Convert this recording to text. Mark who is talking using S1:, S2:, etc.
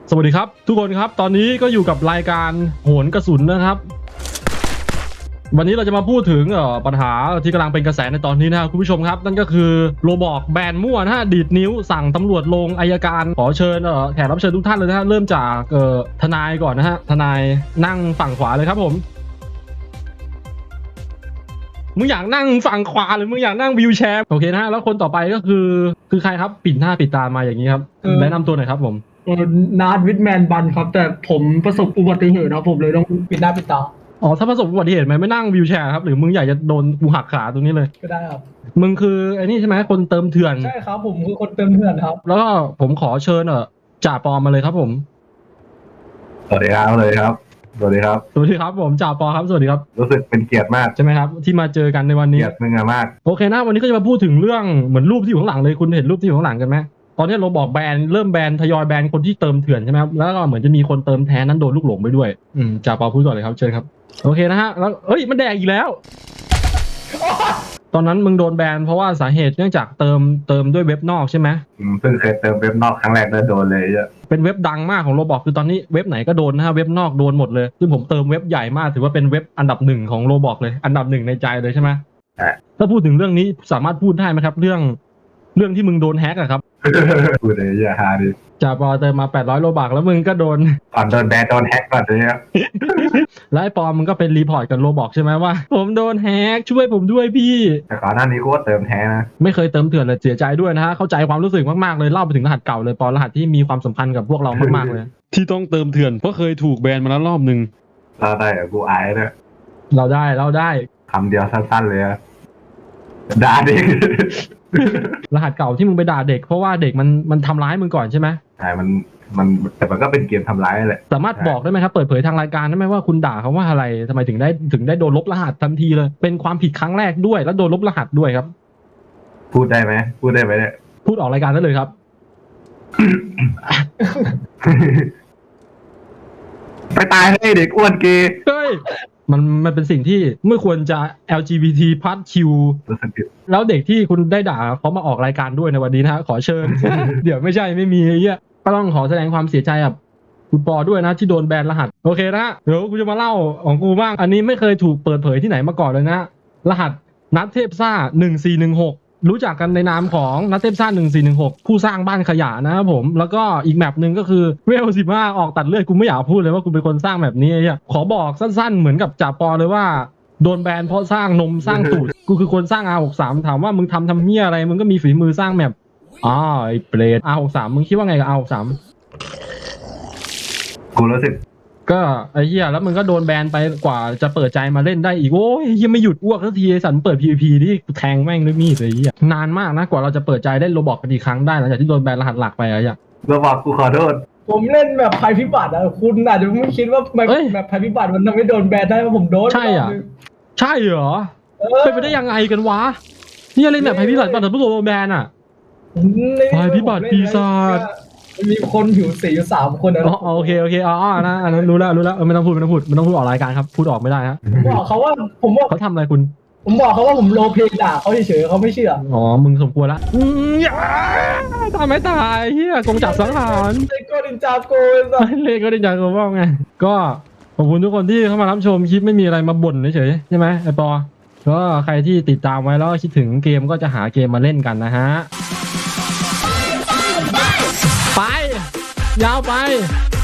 S1: สวัสดีครับทุกคนครับตอนนี้ก็อยู่กับรายการโหนกระสุนนะครับวันนี้เราจะมาพูดถึงปัญหาที่กำลังเป็นกระแสในตอนนี้นะครับคุณผู้ชมครับนั่นก็คือโรบอกแบนมั่วนะฮะดีดนิ้วสั่งตำรวจลงอัยการขอเชิญแขกรับเชิญทุกท่านเลยนะฮะเริ่มจากทนายก่อนนะฮะทนายนั่งฝั่งขวาเลยครับผมมึงอยากนั่งฝั่งขวาหรือมึงอยากนั่งวีลแชร์โอเคนะฮะแล้วคนต่อไปก็คือใครครับปิดหน้าปิดตามาอย่างนี้ครับแนะนำตัวหน่อยครับผม
S2: นาร์ดวิทแมนบันครับแต่ผมประสบอุบัติเหตุครับผมเลยต้องปิดหน้าปิดตา
S1: อ๋อถ้าประสบอุบัติเหตุไหมไม่นั่งวีลแชร์ครับหรือมึงอยากจะโดนกูหักขาตรงนี้เลย
S2: ก็ได้ครับ
S1: มึงคือไอ้นี่ใช่ไหมคนเติมเถื่อน
S2: ใช่ครับผมคือคนเติมเถื่อนครับ
S1: แล้วก็ผมขอเชิญจ่าปอมาเลยครับผม
S3: สวัสดีครับสวัสดีครับสวัสดีครับ
S1: สวัสดีครับผมจ่าปอครับสวัสดีครับ
S3: รู้สึกเป็นเกียรติมาก
S1: ใช่ไหมครับที่มาเจอกันในวันนี้
S3: เกียรติมึงมาก
S1: โอเคนะวันนี้ก็จะมาพูดถึงเรื่องเหมือนรูปที่อยู่ข้างหลังเลยคุณเห็นรูปที่อยู่ข้างหลังกันไหมตอนนี้เราบอกแบนเริ่มแบนทยอยแบนคนที่เติมเถื่อนใช่ไหมครับแล้วก็เหมือนจะมีคนเติมแท้นั้นโดนลูกหลงไปด้วยจ่าปอพูดก่อนเลยครับเชิญครับโอเคนะฮะแล้วเอ้ยมันแดกอีกแล้ว ตอนนั้นมึงโดนแบนเพราะว่าสาเหตุเนื่องจากเติมด้วยเว็บนอกใช่ไหม
S3: เพิ่งเคยเติมเว็บนอกครั้งแรกแล้วโดนเลยอ่ะ
S1: เป็นเว็บดังมากของโรบอกคือตอนนี้เว็บไหนก็โดนนะฮะเว็บนอกโดนหมดเลยซึ่งผมเติมเว็บใหญ่มากถือว่าเป็นเว็บอันดับหนึ่งของโรบอกเลยอันดับหนึ่งในใจเลยใช่ไหมถ้าพูดถึงเรื่องนี้สามารถพูดได้ไหมครับเรื่องที่มึงโดนแฮกอะครับ
S3: พูดเลยอย่าหาดิ
S1: จ่าปอเติมมา800โลบักแล้วมึงก็โดน
S3: ก่อนโดนแบนโดนแฮกก่อนเลยครับ
S1: แล้วไอ้ปอมึงก็เป็นรีพอร์ตกับโรบอกใช่ไหมว่าผมโดนแฮกช่วยผมด้วยพี่
S3: แต่ก่อนหน้านี้กูก็เติมแท้นะ
S1: ไม่เคยเติมเถื่อนเลยเสียใจด้วยนะฮะเข้าใจความรู้สึกมากๆเลยเล่าไปถึงรหัสเก่าเลยปอรหัสที่มีความสัมพันธ์กับพวกเรามากๆเลย ที่ต้องเติมเถื่อนเพราะเคยถูกแบนมาแล้วรอบนึง
S3: เราได้กูอายด้วย
S1: เราได้
S3: คำเดียวสั้นๆเลยด่าเด็ก
S1: รหัสเก่าที่มึงไปด่าเด็กเพราะว่าเด็กมันทำร้ายมึงก่อนใช่ไหม
S3: ใช่มันแต่มันก็เป็นเกมทำร้ายแหละ
S1: สามารถบอกได้ไหมครับเปิดเผยทางรายการได้ไหมว่าคุณด่าเขาว่าอะไรทำไมถึงได้โดนลบรหัสทันทีเลยเป็นความผิดครั้งแรกด้วยแล้วโดนลบรหัสด้วยครับ
S3: พูดได้ไหมเนี่ย
S1: พูดออกรายการได้เลยครับ
S3: ไปตายให้เด็กอ้วนเกย์
S1: เฮ้ยมันเป็นสิ่งที่ไม่ควรจะ LGBT+ Q แล้วเด็กที่คุณได้ด่าเขามาออกรายการด้วยในวันนี้นะฮะขอเชิญ เดี๋ยวไม่มีไอ้เหี้ยก็ต้องขอแสดงความเสียใจกับคุณปอด้วยนะที่โดนแบนรหัสโอเคนะเดี๋ยวกูจะมาเล่าของกูบ้างอันนี้ไม่เคยถูกเปิดเผยที่ไหนมาก่อนเลยนะรหัสนัทเทพซ่า1416รู้จักกันในนามของนัทเทพซ่า1416ผู้สร้างบ้านขยะนะครับผมแล้วก็อีกแมปหนึ่งก็คือเวล15ออกตัดเลือดกูไม่อยากพูดเลยว่ากูเป็นคนสร้างแบบนี้ไอ้เหี้ยขอบอกสั้นๆเหมือนกับจ่าปอเลยว่าโดนแบนเพราะสร้างนมสร้างตูดกูคือคนสร้าง R63 ถามว่ามึงทำเหี้ยอะไรมึงก็มีฝีมือสร้างแมปไอ้เปรต R63 มึงคิดว่าไงกับ R63
S3: กูรู้สึก
S1: ก็ไอ้เหี้ยแล้วมึงก็โดนแบนไปกว่าจะเปิดใจมาเล่นได้อีกโอ้ยยังไม่หยุดอ้วกสักทีไอ้สันเปิด PVP ที่แทงแม่งด้วยมีดเลยไอ้เหี้ยนานมากนะกว่าเราจะเปิดใจเล่นโรบอกกันอีกครั้งได้หลังจากที่โดนแบนรหัสหลักไปไอ้เหี้ย
S3: เราบอกกูขอโทษ
S2: ผมเล่นแบบภัยพิบัติคุณอาจจะไม่คิดว่าแบบภัยพิบัติมันทำให้โดนแบนได้เพราะผมโดน
S1: ใช่อ่ะใช่เหรอเป็นไปได้ยังไงกันวะนี่เล่นแบบภัยพิบัติตอนผู้โดนแบนอ่ะภัยพิบัติปีศาจ
S2: มีคนผิวสีอยู่3 คน
S1: นะโอเคนะอันนั้นรู้แล้วไม่ต้องพูดออกรายการครับพูดออกไม่ได้ฮะ
S2: ผมบอกเขาว่า
S1: เขาทำอะไรคุณ
S2: ผมบอกเขาว่าผมโลเพด่าเขาเฉยๆเขาไม่เชื่อ
S1: อ๋อมึงสมควรละตายไม่ตายเฮียกงจักรสังหาร
S2: เลโก้ดินจาโก
S1: ว่าไงก็ขอบคุณทุกคนที่เข้ามารับชมคลิปไม่มีอะไรมาบ่นเฉยใช่ไหมไอปอก็ใครที่ติดตามไว้แล้วคิดถึงเกมก็จะหาเกมมาเล่นกันนะฮะไปยาวไป